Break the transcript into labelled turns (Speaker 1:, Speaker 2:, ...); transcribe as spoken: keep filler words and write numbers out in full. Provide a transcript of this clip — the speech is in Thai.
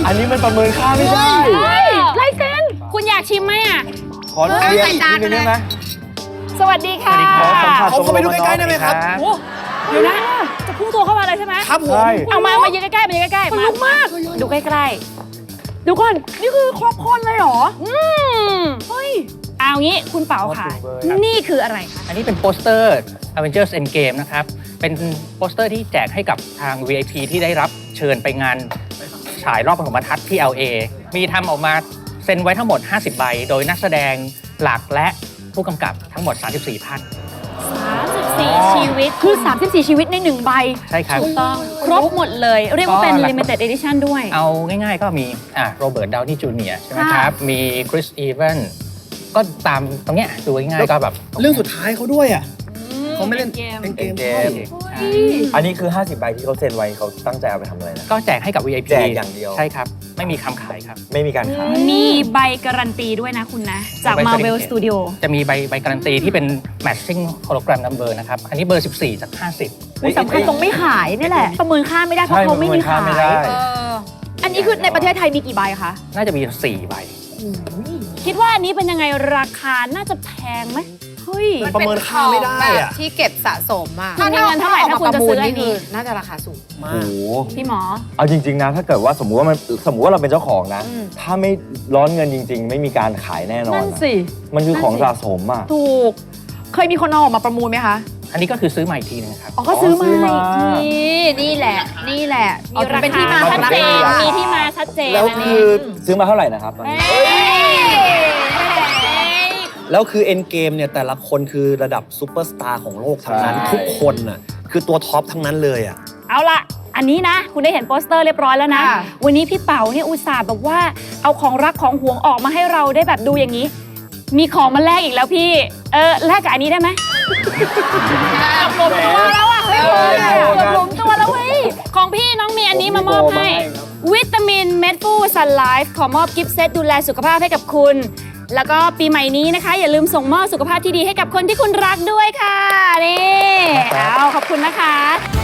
Speaker 1: อันนี้มันประเมินค่าไม่ได้
Speaker 2: ลายเซ็นคุณอยากชิมไหมอ่ะ
Speaker 1: ขอเรียนอีกนิดนึงได้ไหม
Speaker 2: สวัสดีค่ะ
Speaker 1: ผมเข้าไปดูใกล้ๆได้ไหมครับ
Speaker 2: เดี๋ยวนะจะพุ่งตัวเข้ามาเลยใช่ไหม
Speaker 1: ครับผม
Speaker 2: เอามามายืนใกล้ๆมายืนใกล้ๆมาลุกมากดูใกล้ๆดูก่อนนี่คือครบคนเลยเหรออืมเฮ้ยเอางี้คุณเป๋าค่ะนี่คืออะไรคะ
Speaker 3: อันนี้เป็นโปสเตอร์ Avengers Endgame นะครับเป็นโปสเตอร์ที่แจกให้กับทาง วี ไอ พี ที่ได้รับเชิญไปงานฉายรอบปฐมทัศน์ที่ แอล เอ มีทำออกมาเซ็นไว้ทั้งหมดห้าสิบใบโดยนักแสดงหลักและผู้กำกับทั้งหมดสามสิบสี่ท่าน
Speaker 2: สามสิบสี่ชีวิตคือสามสิบสี่ชีวิตในหนึ่งใบ
Speaker 3: ใช่ครับ
Speaker 2: ถูกต้องครบหมดเลยเรียกว่าเป็น limited edition ด้วย
Speaker 3: เอาง่ายๆก็มีอ่ะโรเบิร์ต ดาวนี่ จูเนียร์ ใช่ไหมครับมีคริส อีแวนก็ตามตรงเนี้ยดูง่ายๆก็แบบ
Speaker 1: เรื่องสุดท้ายเขาด้วยอ่ะเขาไม่เล่นเกมเกมอันนี้คือห้าสิบใบที่เขาเซ็นไว้เขาตั้งใจเอาไปทำอะไรนะ
Speaker 3: ก็แจกให้กับ วี ไอ พี
Speaker 1: แจกอย่างเดียว
Speaker 3: ใช่ครับไม่มีคำขายครับ
Speaker 1: ไม่มีการขาย
Speaker 2: มีใบการันตีด้วยนะคุณนะจาก Marvel Studio
Speaker 3: จะมีใบใบการันตีที่เป็น matching hologram number นะครับอันนี้เบอร์สิบสี่จากห้าสิบ
Speaker 2: สำคัญตรงไม่ขายนี่แหละประเมินค่าไม่ได้เพราะเขาไม่มีขายอันนี้คือในประเทศไทยมีกี่ใบคะ
Speaker 3: น่าจะมีสี่ใบ
Speaker 2: คิดว่าอันนี้เป็นยังไงราคาน่าจะแพงไหมเฮ้ย
Speaker 1: ประเมินค่าไม่ได้อะ
Speaker 4: ที่เก็บสะสมอะ
Speaker 2: ถ้าเงินเท่าไหร่ถ้าคุณจะซื้ออันนี้
Speaker 4: น่าจะราคาสูงมาก
Speaker 2: พี่หมอ
Speaker 1: เอาจริงๆนะถ้าเกิดว่าสมมุติว่ามันสมมุติว่าเราเป็นเจ้าของนะถ้าไม่ร้อนเงินจริงๆไม่มีการขายแน่นอนนั่น
Speaker 2: สิ
Speaker 1: มันคือของสะสมอะ
Speaker 2: ถูกเคยมีคนเอาออกมาประมูลไหมคะ
Speaker 3: อันนี้ก็คือซื้อใหม่ทีนึงครับ
Speaker 2: อ๋อก็ซื้อมาอีกทีนี่แหละนี่แหละมีราคาชัดเจนมีที่มาชัดเจน
Speaker 1: แล้วคือซื้อมาเท่าไหร่นะครับตอนนี้แล้วคือเอ็นเกมเนี่ยแต่ละคนคือระดับซูเปอร์สตาร์ของโลกทั้งนั้นทุกคนน่ะคือตัวท็อปทั้งนั้นเลยอ่ะ
Speaker 2: เอาล่ะอันนี้นะคุณได้เห็นโปสเตอร์เรียบร้อยแล้วนะวันนี้พี่เป๋าเนี่ยอุตส่าห์แบบว่าเอาของรักของหวงออกมาให้เราได้แบบดูอย่างนี้มีของมาแลกอีกแล้วพี่เออแลกกับอันนี้ได้ไหมรวมตัวแล้วอ่ะเฮ้ยรวมตัวแล้วเว้ยของพี่น้องมีอันนี้มามอบให้วิตามินเม็ดฟูซันไลฟ์ขอมอบกิฟต์เซตดูแลสุขภาพให้กับคุณแล้วก็ปีใหม่นี้นะคะอย่าลืมส่งมอบสุขภาพที่ดีให้กับคนที่คุณรักด้วยค่ะนี่เอาขอบคุณนะคะ